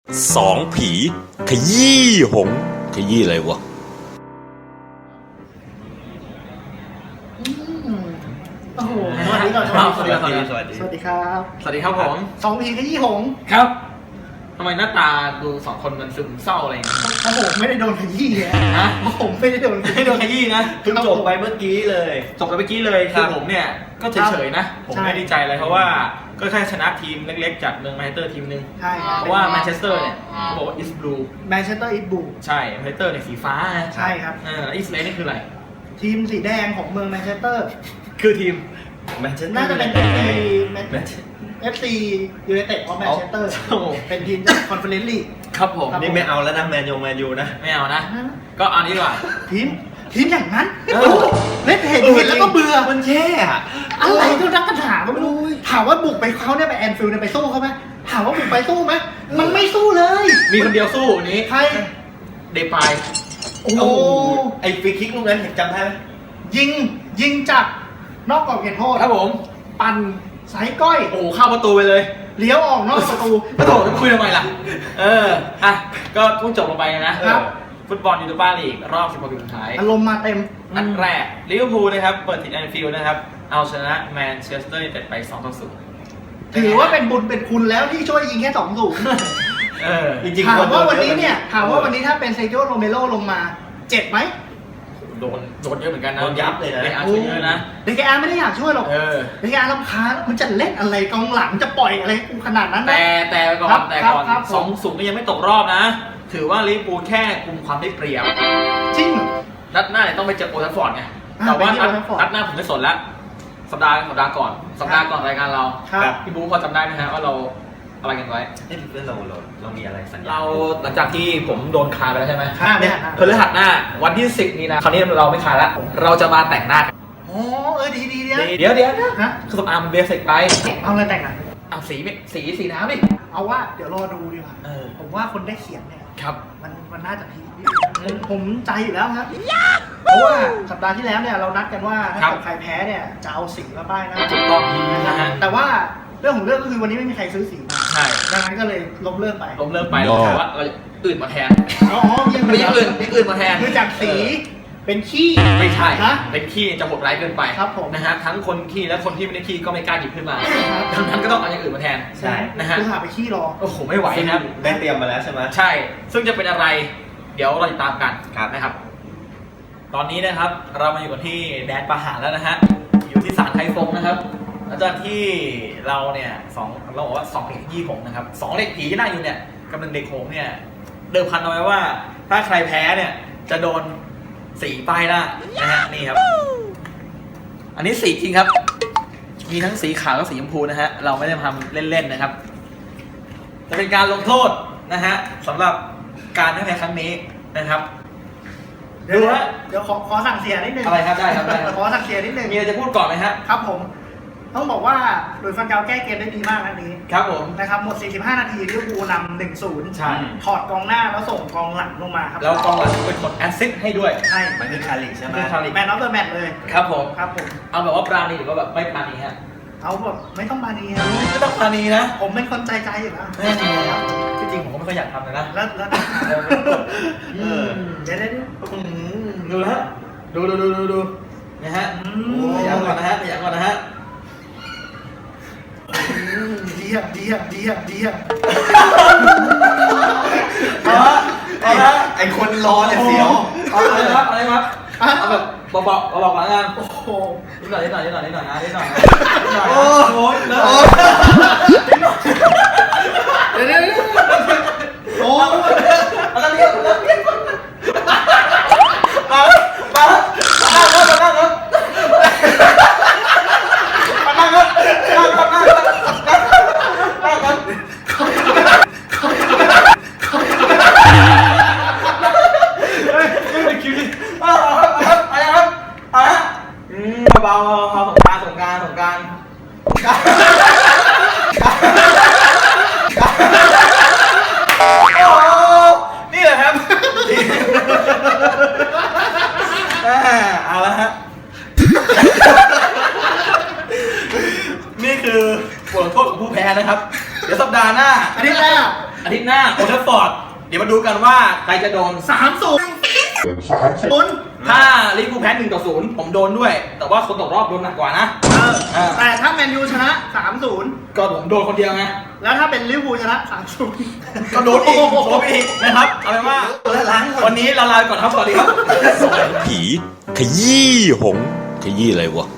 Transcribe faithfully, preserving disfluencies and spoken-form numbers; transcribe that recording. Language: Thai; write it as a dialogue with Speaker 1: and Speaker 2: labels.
Speaker 1: สองผีขยี้หงขยี้อะไรวะ
Speaker 2: โอ้โหสวัสดีก่อน
Speaker 3: สวัสดีครับสวัสดี
Speaker 2: สวัสดีครับ
Speaker 3: สวัสดีครับผม
Speaker 2: สองผีขยี้หง
Speaker 3: ครับทำไมหน้าตาดูสองคนมันซึมเศร้าอะไรอย่างเงี้ย
Speaker 2: เพราะผมไม่ได้โดนขยี้เลย
Speaker 3: ฮะ
Speaker 2: เพราะผมไม่ได้โดน
Speaker 3: ไม่โดนขยี้นะ
Speaker 4: เพิ่งจบไปเมื่อกี้เลย
Speaker 3: จบไปเมื่อกี้เลย
Speaker 4: ครั
Speaker 3: คือบ ผมเนี่ยก็เฉยๆนะ ผม
Speaker 2: ใช่
Speaker 3: ไม่ดีใจเลยเพราะว่าก็แค่ชนะทีมเล็กๆจากเมืองแมนเชสเตอร์ทีมหนึ่ง
Speaker 2: ใช่คบ
Speaker 3: เพราะว่าแมนเชสเตอร์เนี่ยเขาบอกว่าอิสบลู
Speaker 2: แมนเชสเตอร์อิทบู
Speaker 3: ใช่แมนเชสเตอร์เนี่ยสีฟ้านะ
Speaker 2: ใช่ครับ
Speaker 3: เออแล้วอิสเลนี่คืออะไร
Speaker 2: ทีมสีแดงของเมืองแมนเชสเตอร์
Speaker 3: คือทีม
Speaker 4: แมนเชสเตอร์
Speaker 2: น่าจะเป็นเอฟซี
Speaker 4: แมนเชส
Speaker 2: เอฟซียูไนเต็ดของแมนเชสเตอร์
Speaker 3: โอ้โห
Speaker 2: เป็นทีมจากคอนเฟอเรนซ์ลีก
Speaker 3: ครับผม
Speaker 2: ครับ
Speaker 4: นี่ไม่เอาแล้วนะแมนยงแมนยูนะ
Speaker 3: ไม่เอานะ ก็เอานี้ดีกว่า
Speaker 2: ทีมทีมอย่างนั้น
Speaker 3: เออ
Speaker 2: โอ้โหเล่นเห็นเห็นแล้วก็เบื่อ
Speaker 4: มันแย่อะ
Speaker 2: อะไรก็นักกันถามก็ไม่รู้ถามว่าบุกไปเขาเนี่ยไปแอนฟิลด์เนี่ยไปสู้เขาไหมถามว่าบุกไปสู้ไหมมันไม่สู้เลย
Speaker 3: มีคนเดียวสู้วันนี้
Speaker 2: ใคร
Speaker 3: เดปาย
Speaker 2: โอ้โห
Speaker 4: ไอ้ฟรีคิกลูกนั้นเห็นจำได้ไหม
Speaker 2: ยิงยิงจากนอกกรอบเขตโทษ
Speaker 3: ครับผม
Speaker 2: ปั่นสายก้อย
Speaker 3: โอ้โหเข้าประตูไปเลย
Speaker 2: เลี้ยวออกนอกประตู
Speaker 3: ก็โถจะคุยทำไมล่ะ เออ อ่ะ ก็เพิ่งจบลงไปนะครับ ฟุตบอลยูโรปาลีกรอบสิบหกทีมสุดท้าย
Speaker 2: อารมณ์มาเต็ม
Speaker 3: นัดแรกลิเวอร์พูลนะครับ เปิดติดแอนฟิลด์นะครับ เอาชนะแมนเชสเตอร์ยูไนเต็ดไปสองต่อศูนย์
Speaker 2: ถือว่าเป็นบุญเป็นคุณแล้วที่ช่วยยิงแค่สองศูนย์
Speaker 3: เออ
Speaker 4: จริงๆ
Speaker 2: ถาม
Speaker 4: คโด
Speaker 2: ว่าวันนี้
Speaker 4: อะ
Speaker 2: เนี่ยถามว่าวันนี้ถ้าเป็นเซโจโรเมโรลงมาเจ็บไหม
Speaker 3: โดน โดนเยอะเหมือนกันนะ
Speaker 4: โดนยับเลยนะ
Speaker 3: เดอาร์ช่วยเยอะนะ
Speaker 2: เดกอาร์ไม่ได้อยากช่วยหรอก
Speaker 3: เออ
Speaker 2: เดกอาร์รำคาญมันจะเล่นอะไรกองหลังจะปล่อยอะไรกูขนาดนั้นนะ
Speaker 3: แต่แต่ไปก่อ
Speaker 2: ครั
Speaker 3: น
Speaker 2: บ
Speaker 3: แต่ก่อน
Speaker 2: ครับครับ
Speaker 3: สองศูนย์ก็ยังไม่ตกรอบนะ ถือว่าลิเวอร์พูลแค่กุมความได้เปรียบ
Speaker 2: จริงเหรอ
Speaker 3: นัดหน้าเนี่ยต้องไปเจอโอทัฟฟอร์ดไง
Speaker 2: อ่า
Speaker 3: แต่ว่า
Speaker 2: ไปที่
Speaker 3: นัด
Speaker 2: โอทัฟฟอร์ด
Speaker 3: นัดหน้าผมไม่สนแล้ว สัปดาห์สัปดาห์ก่อน สัปดาห์ก่อนรายการเรา
Speaker 2: ครับ
Speaker 3: พี่บู๊พอจำได้ไหมฮะว่าเราอะไรกันไว้
Speaker 4: เอ้ยเราเราเรามีอะไรสัญญา
Speaker 3: เราหลังจากที่ผมโดนคาไปแล้วใช่ไหม
Speaker 2: ครับ
Speaker 3: เนี่ย
Speaker 2: ครับ
Speaker 3: พฤหัสหน้าวันที่สิบนี้นะคราวนี้เราไม่คาแล้ว เราจะมาแต่งหน้ากัน
Speaker 2: อ๋อเออดีดีดีนะ
Speaker 3: เดี๋ยวเดี๋ยวเดี๋ยว
Speaker 2: ฮะ
Speaker 3: คือสำอางมันเบสิกไป
Speaker 2: เอาอะไรแต่งอ่ะ
Speaker 3: เอาสีไม่สีสีน้ำดิ
Speaker 2: เอาว่าเดี๋ยวรอดูดีกว่า
Speaker 3: เออ
Speaker 2: ผมว่าคนได้เขียนเนี่ย
Speaker 3: ครับ
Speaker 2: มันมันน่าจะพีคผมผมใจอยู่แล้วครับ เพราะว่าสัปดาห์ที่แล้วเนี่ยเรานัดกันว่าถ้า
Speaker 3: ครับ
Speaker 2: เกิดใครแพ้เนี่ยจะเอาสีมาป้ายหนะ
Speaker 3: ถูกต้องนะฮะ
Speaker 2: แต่ว่าเรื่องของเรื่องก็คือวันนี้ไม่มีใครซื้อสีมา
Speaker 3: ใช่
Speaker 2: ดังนั้นก็เลยล้มเลิกไป
Speaker 3: ล้มเลิกไปแล้วแต่ว่าเราอื่นมาแทน
Speaker 2: อ๋อยัง
Speaker 3: ไม่ใช่อื่นไม่อื่นมาแทน
Speaker 2: คือจากสีเป็นขี้
Speaker 3: ไม่ใช่
Speaker 2: นะ
Speaker 3: เป็นขี้จะโหดร้ายเกินไป
Speaker 2: ครับผม
Speaker 3: นะฮะ ทั้งคนขี้และคนที่ไม่ได้ขี้ก็ไม่กล้าหยิบขึ้นมา
Speaker 2: ครับ
Speaker 3: ดังนั้นก็ต้องเอาอย่างอื่นมาแทน
Speaker 4: ใช่
Speaker 3: นะฮะ
Speaker 2: คือหาไปขี้รอ
Speaker 3: โอ้โห ไม่ไหวนะครับ
Speaker 4: ได้เตรียมมาแล้วใช่ไหม
Speaker 3: ใช่ ซึ่งจะเป็นอะไร เดี๋ยวเราติดตามกัน
Speaker 4: ครับ
Speaker 3: นะครับ ตอนนี้นะครับ เรามาอยู่กันที่แดนประหารแล้วนะฮะ อยู่ที่ศาลไทฟงนะครับอาจารย์ที่เราเนี่ยสองเราบอกว่าสองเด็กยี่หงนะครับสองเด็กผีที่นั่งอยู่เนี่ยกับหนึ่งเด็กโขงเนี่ย เดิมพันเอาไว้ว่า ถ้าใครแพ้เนี่ย จะโดนสีป้ายหน้านะฮะ นี่ครับ อันนี้สีจริงครับ มีทั้งสีขาวและสีชมพูนะฮะ เราไม่ได้ทำเล่นๆนะครับ จะเป็นการลงโทษนะฮะสำหรับการแพ้ครั้งนี้นะครับ
Speaker 2: เดี๋ยว
Speaker 3: ดูฮะ
Speaker 2: เดี๋ยวขอขอสั่งเสียนิดนึง
Speaker 3: อะไรครับได้ครับได้ครับ
Speaker 2: ขอสั่งเสียนิดนึง
Speaker 3: มีอะไรจะพูดก่อนไหมฮะ
Speaker 2: ครับผม ต้องบอกว่าหลุยส์ฟันเกาแก้เกมได้ดีมากนัดนี้
Speaker 3: ครับผม
Speaker 2: นะครับหมด สี่สิบห้า นาทีลิเวอร์พูลนำ หนึ่งศูนย์
Speaker 3: ใช่
Speaker 2: ถอดกองหน้าแล้วส่งกองหลังลงมาครับ
Speaker 3: แล้วกองหลังเป็นคนแอสซิสต์ให้ด้วย
Speaker 2: ใช่
Speaker 4: มันคือคาริกใช่ไหม
Speaker 3: คือคาริก
Speaker 2: แมนออฟเดอะแมตช์เลย
Speaker 3: ครับผม
Speaker 2: ครับผม
Speaker 3: เอาแบบว่าปราณีหรือว่าแบบไม่ปราณีฮะ
Speaker 2: เอาแบบไม่ต้องมาดีครับ
Speaker 3: ไม่ต้องปราณีนะ
Speaker 2: ผมเป็นคนใจใจอยู่แล้ว
Speaker 3: แน่ครับที่จริงผมก็ไม่ค่อยอยากทำเลยนะ
Speaker 2: แล้วแล้ว
Speaker 3: เออ
Speaker 2: เดี๋ยวเดี๋ยวเดี๋ยว
Speaker 3: อืมดูนะฮะดูดูดูดูดูนะฮะ
Speaker 2: อื
Speaker 3: ขยันก่อนนะฮะขยันก่อนนะฮะ
Speaker 2: ดีอ่ะดีอ่ะดีอ่ะดีอ่ะ
Speaker 3: เอาละเอาละ
Speaker 4: ไอคนรอเนี่ยเสียว
Speaker 3: เอาอะไรครับเอาอะไรครับเอาแบบเบาๆเบาๆก่อนละกัน
Speaker 2: โอ้โห
Speaker 3: นิดหน่อยนิดหน่อยนิดหน่อยนิดหน่อยนะนิดหน่อยนะนิดหน่อย
Speaker 4: โอ้
Speaker 3: นะโอ้ยเลอะ
Speaker 2: เดี๋ยวเดี๋ยวเดี๋ยวโอ้
Speaker 3: แล้วก็เรียกแล้วเรียกมามามานั่งครับมานั่งครับมานั่งครับนั่งครับนั่งครับนั่งครับเฮ้ยไม่คิวดิเอาครับเอาครับเอาครับอืมเบาๆสงการสงการสงการสงการโอ้นี่แหละครับเอาละฮะนี่คือบทลงโทษของผู้แพ้นะครับ เดี๋ยวสัปดาห์หน้า
Speaker 2: อันนี้แหละ
Speaker 3: อาทิตย์หน้าโอลด์แทราฟฟอร์ดเดี๋ยวมาดูกันว่าใครจะโดน
Speaker 2: สามศูนย์ศูนย์
Speaker 3: ถ้าลิเวอร์พูลแพ้หนึ่งต่อศูนย์ผมโดนด้วย แต่ว่าคนตกรอบโดนหนักกว่านะ
Speaker 2: เออ
Speaker 3: เออ
Speaker 2: แต่ถ้าแมนยูชนะสามศูนย์
Speaker 3: ก็ผมโดนคนเดียวไง
Speaker 2: แล้วถ้าเป็นลิเวอร์พูลชนะสามศูนย์
Speaker 3: ก็โดนอีกโดนอีกนะครับเอาเป็นว่า
Speaker 4: ล้างหม
Speaker 3: วั
Speaker 4: ด
Speaker 3: นนี้เราลาไปก่อนครับสวัสดีครับ
Speaker 1: ผีขยี้หง ขยี้อะไรวะ